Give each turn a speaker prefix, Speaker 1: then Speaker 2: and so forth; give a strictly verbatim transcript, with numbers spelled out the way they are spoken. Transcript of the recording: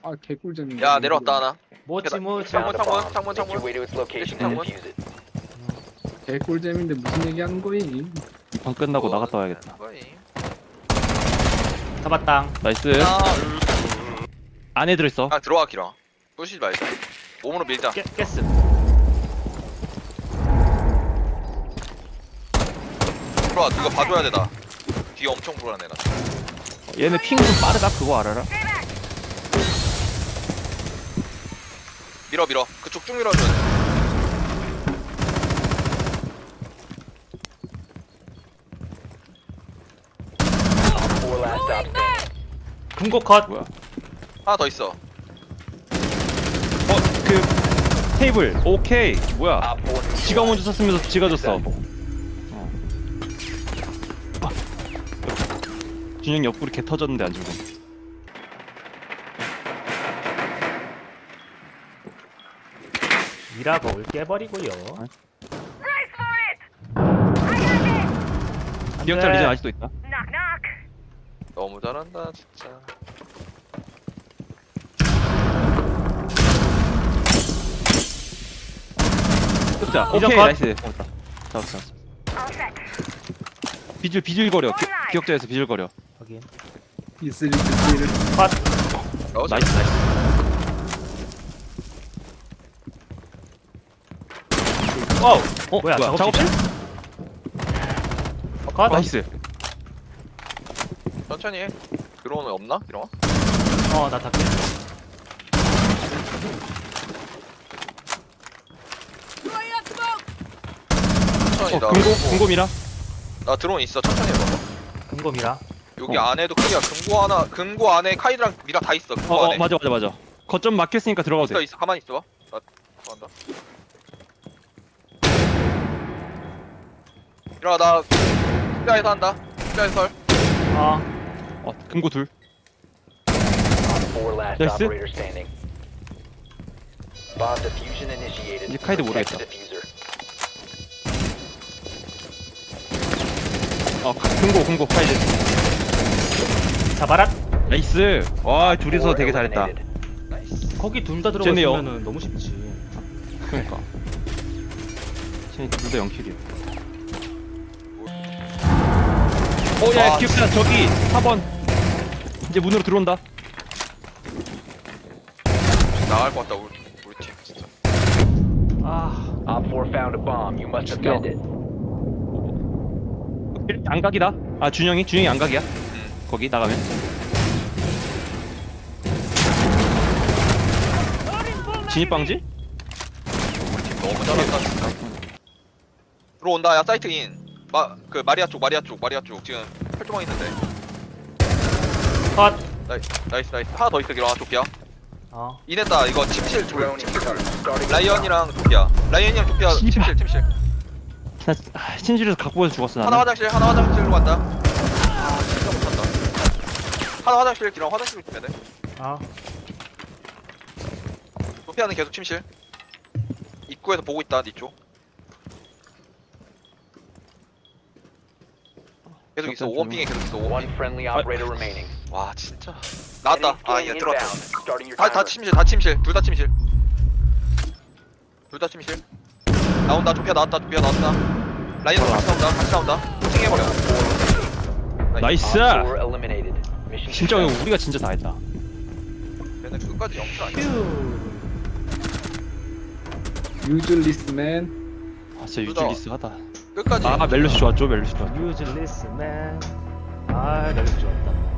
Speaker 1: 아 개꿀잼인데.
Speaker 2: 야 내려왔다 하나.
Speaker 3: 뭐지 뭐
Speaker 2: 창문
Speaker 3: 자,
Speaker 2: 창문 창문
Speaker 4: Make your
Speaker 2: 창문.
Speaker 4: way to its location and defuse it.
Speaker 1: 개꿀잼인데 무슨 얘기하는 거임?
Speaker 5: 방 끝나고
Speaker 2: 뭐,
Speaker 5: 나갔다 와야겠다.
Speaker 2: 거임.
Speaker 3: 잡았당.
Speaker 5: 나이스.
Speaker 2: 아,
Speaker 5: 안에 들어있어.
Speaker 2: 아 들어와 기라. 부시지 말자. 몸으로 밀자.
Speaker 3: 깨, 깼음.
Speaker 2: 들어와. 이거 봐줘야 되다. 뒤에 엄청 불안해 나.
Speaker 5: 얘네 핑 좀 빠르다. 그거 알아라?
Speaker 2: 밀어 밀어. 그쪽 쭉 밀어줘야 돼.
Speaker 4: Four last stop standing.
Speaker 3: 금고 컷.
Speaker 5: 뭐야?
Speaker 2: 하나 더 있어.
Speaker 5: 어, 그 테이블. 오케이. 뭐야?
Speaker 4: Op four
Speaker 5: 지가 먼저 샀으면서 지가 줬어. 어. 아. 준영 옆구리 개 터졌는데 안 주고.
Speaker 3: 미라볼 깨버리고요.
Speaker 5: 기억자 리전 아직도 있다.
Speaker 2: 너무 잘한다 진짜.
Speaker 5: 기억자.
Speaker 3: 리전
Speaker 5: 오케이.
Speaker 3: 컷.
Speaker 5: 나이스. 잡았다. 잡았어. 잡았어. 비줄 비줄거려. 기, 기억자에서 비줄거려.
Speaker 3: 확인.
Speaker 1: 이슬이 이슬을.
Speaker 3: 컷.
Speaker 2: 어,
Speaker 5: 나이스 나이스.
Speaker 3: 어우.
Speaker 5: 어
Speaker 3: 뭐야,
Speaker 5: 뭐야?
Speaker 3: 작업실?
Speaker 5: 작업실?
Speaker 3: 컷.
Speaker 5: 나이스.
Speaker 2: 천천히 해. 드론은 없나? 이런 거?
Speaker 3: 어, 나 닦게.
Speaker 2: 천천히
Speaker 5: 어
Speaker 2: 나.
Speaker 5: 금고 금고미라.
Speaker 2: 나 드론 있어. 천천히 해봐.
Speaker 3: 금고 미라.
Speaker 2: 여기
Speaker 5: 어.
Speaker 2: 안에도 크기야. 금고 하나, 금고 안에 카이드랑 미라 다 있어. 금고
Speaker 5: 어,
Speaker 2: 안에.
Speaker 5: 어 맞아 맞아 맞아. 거점 막혔으니까 들어가도
Speaker 2: 있어
Speaker 5: 돼.
Speaker 2: 있어. 가만히 있어봐. 나 들어간다. 일어나 나 십자에서 한다. 십자에서 설.
Speaker 3: 어.
Speaker 5: 어 금고 둘.
Speaker 4: Four last
Speaker 5: Yes, sir.
Speaker 4: operator standing. Bomb diffusion initiated.
Speaker 5: 이제 카이드
Speaker 4: Protect
Speaker 5: 모르겠다.
Speaker 4: the diffuser.
Speaker 5: 어 금고 금고 파이즈.
Speaker 3: 잡아라.
Speaker 5: 나이스. 와 둘이서
Speaker 4: Four
Speaker 5: 되게 잘했다.
Speaker 4: eliminated.
Speaker 2: 나이스.
Speaker 3: 거기 둘 다
Speaker 5: 쟤네요.
Speaker 3: 들어갔으면은 너무 쉽지.
Speaker 5: 그러니까. 쟤네 둘다 영킬이야. 오야
Speaker 2: 아,
Speaker 5: 기억자 저기 사 번. 이제 문으로 들어온다.
Speaker 2: 나갈 것 같다 우리 우리 팀 진짜.
Speaker 3: 아.
Speaker 4: Op four found a bomb. You must defend it.
Speaker 5: 안각이다. 아 준영이 준영이 안각이야.
Speaker 2: 응.
Speaker 5: 거기 나가면. 진입 방지?
Speaker 2: 우리 팀 너무 잘한다 진짜. 들어온다. 야 사이트 인. 마 그 마리아 쪽 마리아 쪽 마리아 쪽 지금 펼쳐망 있는데.
Speaker 3: 컷.
Speaker 2: 나이스 나이스 나이스. 하나 더 있어 기라. 조피아.
Speaker 3: 어.
Speaker 2: 이냈다. 이거 침실 조 침실 설. 라이언이랑 조피아. 라이언이랑 조피아
Speaker 5: 씨발.
Speaker 2: 침실 침실.
Speaker 5: 나 아, 침실에서 갖고 와서 죽었어
Speaker 2: 하나
Speaker 5: 나는.
Speaker 2: 화장실 하나 화장실로 간다. 아 진짜 못한다. 하나 화장실 기랑 화장실로 주면 돼.
Speaker 3: 어.
Speaker 2: 소피아는 계속 침실. 입구에서 보고 있다 니 쪽. 계속 있어.
Speaker 5: 잠깐,
Speaker 2: 오원빙에 계속 있어.
Speaker 4: One
Speaker 2: 오원빙.
Speaker 4: friendly operator remaining.
Speaker 2: 와 진짜. 나왔다. 아
Speaker 4: Enemy
Speaker 2: 얘 들어왔다.
Speaker 4: inbound. Starting your
Speaker 2: 다, 다
Speaker 4: timer.
Speaker 2: 침실 다 침실. 둘 다 침실. 둘 다 침실. 나온다. 조피아 나왔다. 조피아 나왔다. 라이언 같이 나온다. 같이 나온다. 코팅해버려.
Speaker 5: 나이스.
Speaker 4: Op four eliminated. Mission
Speaker 5: 진짜
Speaker 4: success.
Speaker 5: 우리가 진짜 다 했다.
Speaker 2: 얘네 끝까지 영출 아니야.
Speaker 3: 휴.
Speaker 1: 유즐리스맨.
Speaker 5: 아 진짜
Speaker 2: 둘 다.
Speaker 5: 유틸리스 하다.
Speaker 2: 끝까지.
Speaker 5: 아 멜로시 좋았죠 멜로시 좋았죠.
Speaker 3: 유즐리스 맨. 아, 멜로디 좋았다.